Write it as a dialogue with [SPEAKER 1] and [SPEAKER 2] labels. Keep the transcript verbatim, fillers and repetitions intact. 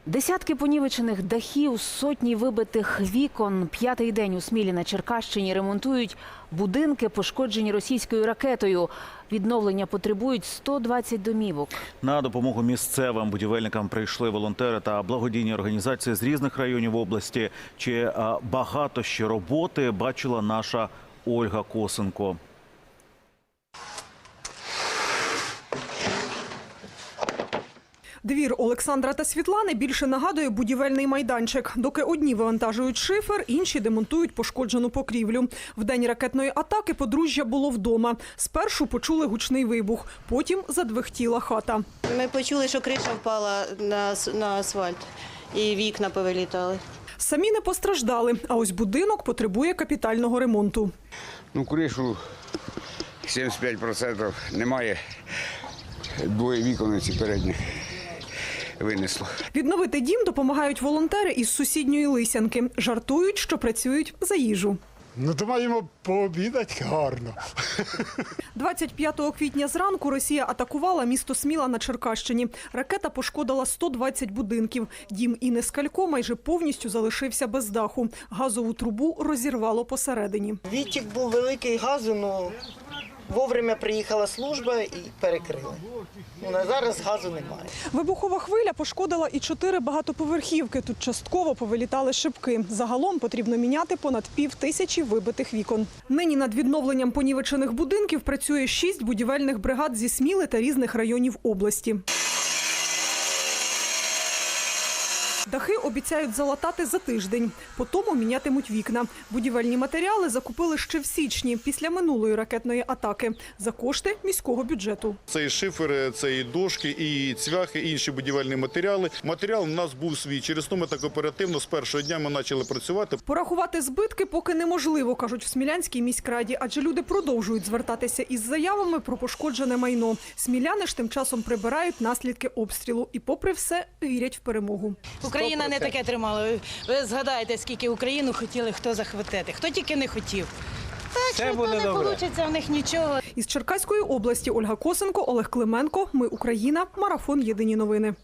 [SPEAKER 1] Десятки понівечених дахів, сотні вибитих вікон. П'ятий день у Смілі на Черкащині ремонтують будинки, пошкоджені російською ракетою. Відновлення потребують сто двадцять домівок.
[SPEAKER 2] На допомогу місцевим будівельникам прийшли волонтери та благодійні організації з різних районів області. Чи а, багато ще роботи бачила наша Ольга Косенко.
[SPEAKER 3] Двір Олександра та Світлани більше нагадує будівельний майданчик. Доки одні вивантажують шифер, інші демонтують пошкоджену покрівлю. В день ракетної атаки подружжя було вдома. Спершу почули гучний вибух, потім задвихтіла хата.
[SPEAKER 4] Ми почули, що криша впала на, на асфальт і вікна повилітали.
[SPEAKER 3] Самі не постраждали, а ось будинок потребує капітального ремонту.
[SPEAKER 5] Ну, кришу сімдесят п'ять відсотків немає, двоє вікон ці передні винесло.
[SPEAKER 3] Відновити дім допомагають волонтери із сусідньої Лисянки. Жартують, що працюють за їжу.
[SPEAKER 6] Ну, то маємо пообідати гарно.
[SPEAKER 3] двадцять п'ятого квітня зранку Росія атакувала місто Сміла на Черкащині. Ракета пошкодила сто двадцять будинків. Дім Інни Скалько майже повністю залишився без даху. Газову трубу розірвало посередині.
[SPEAKER 7] Відтік був великий газу, але вовремя приїхала служба і перекрили. Ну, на зараз газу немає.
[SPEAKER 3] Вибухова хвиля пошкодила і чотири багатоповерхівки. Тут частково повилітали шибки. Загалом потрібно міняти понад пів тисячі вибитих вікон. Нині над відновленням понівечених будинків працює шість будівельних бригад зі Сміли та різних районів області. Дахи обіцяють залатати за тиждень. Потім мінятимуть вікна. Будівельні матеріали закупили ще в січні, після минулої ракетної атаки, за кошти міського бюджету.
[SPEAKER 8] Це і шифери, це і дошки, і цвяхи, і інші будівельні матеріали. Матеріал у нас був свій. Через то ми так оперативно з першого дня ми почали працювати.
[SPEAKER 3] Порахувати збитки поки неможливо, кажуть в Смілянській міськраді, адже люди продовжують звертатися із заявами про пошкоджене майно. Сміляни ж тим часом прибирають наслідки обстрілу і попри все вірять в перемогу.
[SPEAKER 9] Україна не таке тримала. Ви, ви згадаєте, скільки Україну хотіли хто захватити. Хто тільки не хотів. Так, що то не вийде в них нічого.
[SPEAKER 3] Із Черкаської області Ольга Косенко, Олег Клименко. Ми Україна. Марафон. Єдині новини.